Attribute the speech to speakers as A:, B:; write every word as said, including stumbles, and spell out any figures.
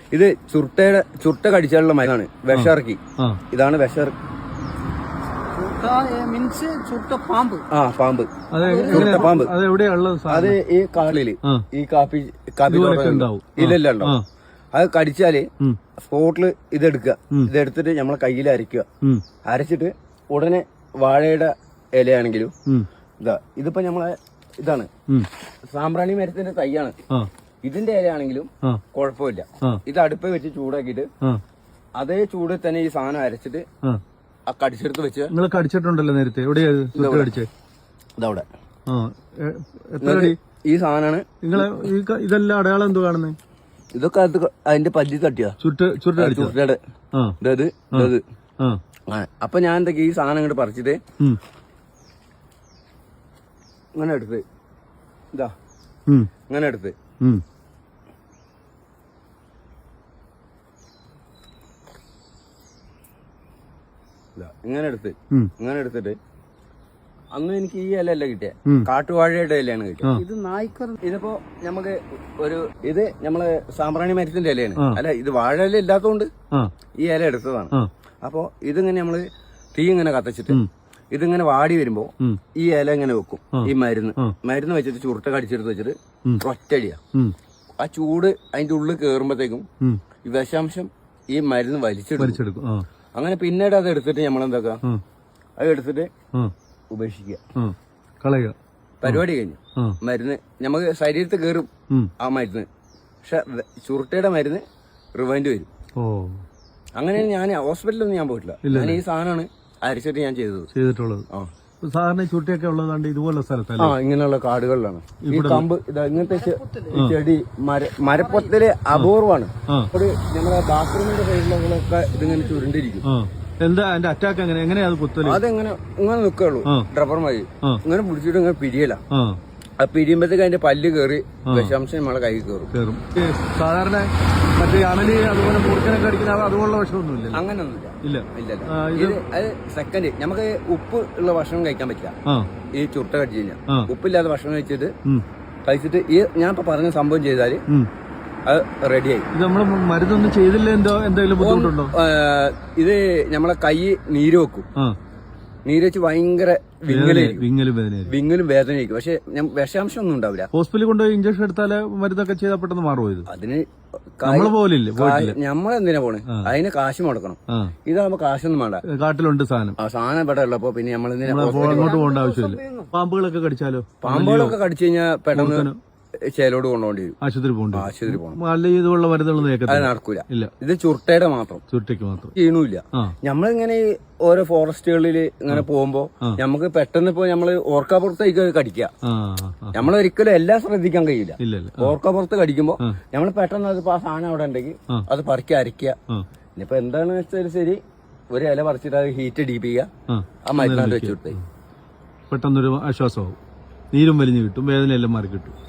A: ഇത് ചുരുട്ടയുടെ ചുരുട്ട കടിച്ചാലുള്ള മരുന്നാണ്. വിഷയിറക്കി. ഇതാണ് വിഷ
B: മീൻസ് ചുരുട്ട പാമ്പ്.
A: ആ പാമ്പ്. പാമ്പ് അത് ഈ കാളില് ഈ കാപ്പി കാപ്പി ഇല്ലല്ല ഉണ്ടാവും. അത് കടിച്ചാല് സ്പോട്ടില് ഇതെടുക്കുക. ഇതെടുത്തിട്ട് നമ്മളെ കയ്യിൽ അരയ്ക്കുക. അരച്ചിട്ട് ഉടനെ വാഴയുടെ ഇലയാണെങ്കിലും ഇതാ ഇതിപ്പോ നമ്മളെ ഇതാണ് സാമ്പ്രാണി മരത്തിന്റെ തൈയാണ്. ഇതിന്റെ ഇലയാണെങ്കിലും കുഴപ്പമില്ല. ഇത് അടുപ്പ് വെച്ച് ചൂടാക്കിയിട്ട് അതേ ചൂടിൽ തന്നെ ഈ സാധനം അരച്ചിട്ട് ആ കടിച്ചെടുത്ത് വെച്ച്
C: നിങ്ങൾ കടിച്ചിട്ടുണ്ടല്ലോ നേരത്തെ. ഇതവിടെ
A: ഈ സാധനമാണ്.
C: നിങ്ങളെ ഇതെല്ലാം അടയാളം എന്തോ കാണുന്നത്?
A: ഇതൊക്കെ അത് അതിന്റെ പല്ലി തട്ടിയാ ചുരുട്ടയുടെ ഇതത് ഇതത്. അപ്പൊ ഞാൻ എന്തൊക്കെ ഈ സാധനം ഇങ്ങോട്ട് പറിച്ചിട്ട് ഇങ്ങനെ എടുത്ത് ഇതാ ഇങ്ങനെ എടുത്ത് ഇങ്ങനെ എടുത്ത് ഇങ്ങനെ എടുത്തിട്ട് അന്ന് എനിക്ക് ഈ ഇല അല്ല കിട്ടിയ കാട്ടുവാഴയുടെ ഇലയാണ് കിട്ടിയത്. ഇത് നായ്ക്കർ. ഇതിപ്പോ നമുക്ക് ഒരു ഇത് നമ്മള് സാമ്പ്രാണി മരത്തിന്റെ ഇലയാണ്. അല്ല ഇത് വാഴ ഇല ഇല്ലാത്തതുകൊണ്ട് ഈ ഇല എടുത്തതാണ്. അപ്പൊ ഇതിങ്ങനെ നമ്മള് തീ ഇങ്ങനെ കത്തിച്ചിട്ട് ഇതിങ്ങനെ വാടി വരുമ്പോ ഈ ഇല ഇങ്ങനെ വെക്കും. ഈ മരുന്ന് മരുന്ന് വെച്ചിട്ട് ചുരുട്ട കടിച്ചെടുത്ത് വെച്ചിട്ട് ഒറ്റടിയാ. ആ ചൂട് അതിന്റെ ഉള്ളിൽ കേറുമ്പോഴത്തേക്കും ഈ വിഷാംശം ഈ മരുന്ന് വലിച്ചെടുക്കും. അങ്ങനെ പിന്നീട് അത് എടുത്തിട്ട് നമ്മളെന്താക്കുക, അത് എടുത്തിട്ട് ഉപേക്ഷിക്കുക,
C: കളയുക.
A: പരിപാടി കഴിഞ്ഞു. മരുന്ന് നമുക്ക് ശരീരത്തിൽ കയറും ആ മരുന്ന്. പക്ഷെ ചുരുട്ടയുടെ മരുന്ന് റിവൈൻഡ് വരും. അങ്ങനെയാണ് ഞാൻ ഹോസ്പിറ്റലൊന്നും ഞാൻ പോയിട്ടില്ല. ഞാൻ ഈ സാധനമാണ് അരിച്ചിട്ട് ഞാൻ ചെയ്തത്
C: ചെയ്തിട്ടുള്ളത്. സാധാരണ ചുട്ടിയൊക്കെ ഉള്ളതാണ്ട് ഇതുപോലുള്ള സ്ഥലത്തല്ല,
A: ആ ഇങ്ങനെയുള്ള കാടുകളിലാണ്. ഈ കമ്പ് ഇതാ ഇങ്ങനത്തെ ചെടി മര മരപ്പൊത്തല് അപൂർവമാണ്. ഒരു നമ്മുടെ ബാത്റൂമിന്റെ സൈഡിലൊക്കെ ഇതിങ്ങനെ ചുരുണ്ടിരിക്കും.
C: എന്താ അതിന്റെ അറ്റാക്ക് എങ്ങനെ എങ്ങനെയാ കുത്തല്?
A: അതെങ്ങനെ ഇങ്ങനെ നിൽക്കുള്ളൂ ഡ്രബർ മതി. ഇങ്ങനെ പിടിച്ചിട്ട് ഇങ്ങനെ പിരിയല. ആ പിരിയുമ്പോഴത്തേക്ക് അതിന്റെ പല്ല് കയറി വിഷാംശം നമ്മളെ കൈ കയറും.
C: സാധാരണ മറ്റേ അണലി അതുപോലെ മൂർക്കനൊക്കെ അടിക്കുന്ന അതുപോലുള്ള ഭക്ഷണമൊന്നുമില്ല.
A: അങ്ങനൊന്നുമില്ല.
C: ഇല്ല
A: ഇല്ല. ഇത് അത് സെക്കൻഡ് നമുക്ക് ഉപ്പ് ഉള്ള ഭക്ഷണം കഴിക്കാൻ പറ്റില്ല. ഈ ചുട്ട കടിച്ചു കഴിഞ്ഞാൽ ഉപ്പില്ലാത്ത ഭക്ഷണം കഴിച്ചിട്ട് കഴിച്ചിട്ട് ഈ ഞാൻ ഇപ്പൊ പറഞ്ഞ സംഭവം ചെയ്താല് അത് റെഡിയായി.
C: ഇത് നമ്മള് മരുന്നൊന്നും ചെയ്തില്ല എന്തോ എന്തെങ്കിലും ബുദ്ധിമുട്ടുണ്ടോ?
A: ഇത് നമ്മളെ കൈ നീര് വെക്കും. നീര് വെച്ച് ഭയങ്കര വിങ്ങലും വിങ്ങലും വേദനയായിരിക്കും. പക്ഷെ വിഷാംശം ഒന്നും ഉണ്ടാവില്ല.
C: ഹോസ്പിറ്റലിൽ കൊണ്ടുപോയി ഇഞ്ചക്ഷൻ എടുത്താല് മരുന്നൊക്കെ ചെയ്താൽ പെട്ടെന്ന് മാറുമോ? ഇത്
A: അതിന്
C: നമ്മള് പോലില്ലേ,
A: നമ്മളെന്തിനാ പോണേ? അതിന് കാശ് മുടക്കണം. ഇതാകുമ്പോ കാശൊന്നും വേണ്ട.
C: കാട്ടിലുണ്ട് സാധനം.
A: ആ സാധനം ഇവിടെ ഉള്ളപ്പോ പിന്നെ നമ്മൾ
C: അങ്ങോട്ട് പോകേണ്ട ആവശ്യമില്ല. പാമ്പുകളൊക്കെ കടിച്ചാലോ?
A: പാമ്പുകളൊക്കെ കടിച്ചു കഴിഞ്ഞാൽ പെട്ടെന്ന് ചേലോട് കൊണ്ടുപോകേണ്ടി വരും.
C: ആശുപത്രി പോകേണ്ടി
A: ആശുപത്രി പോകണം.
C: നല്ല ഇതുള്ള മരുന്നുകൾ
A: അത് നടക്കൂല. ഇല്ല, ഇത് ചുരുട്ടയുടെ മാത്രം.
C: ചുരുട്ടയ്ക്ക് മാത്രം
A: ചെയ്യണില്ല. നമ്മളിങ്ങനെ ഓരോ ഫോറസ്റ്റുകളിൽ ഇങ്ങനെ പോകുമ്പോ നമുക്ക് പെട്ടെന്ന് ഇപ്പൊ നമ്മള് ഓർക്കാപ്പുറത്തേക്ക് കടിക്കുക. നമ്മളൊരിക്കലും എല്ലാം ശ്രദ്ധിക്കാൻ കഴിയില്ല. ഓർക്കാപ്പുറത്ത് കടിക്കുമ്പോ നമ്മൾ പെട്ടെന്ന് അത് ആ സാധനം അവിടെ ഉണ്ടെങ്കിൽ അത് പറിക്കുക, അരയ്ക്കുക. ഇനിയിപ്പോ എന്താണെന്ന് വെച്ചാൽ ശരി, ഒരു ഇല പറിച്ചിട്ട് അത് ഹീറ്റ് അടിപ്പിക്കുക, ആ മരുന്നാണ്ട് വെച്ചിട്ട്
C: പെട്ടെന്നൊരു ആശ്വാസമാവും. നീരും വലിഞ്ഞു കിട്ടും, വേദനയെല്ലാം മാറി കിട്ടും.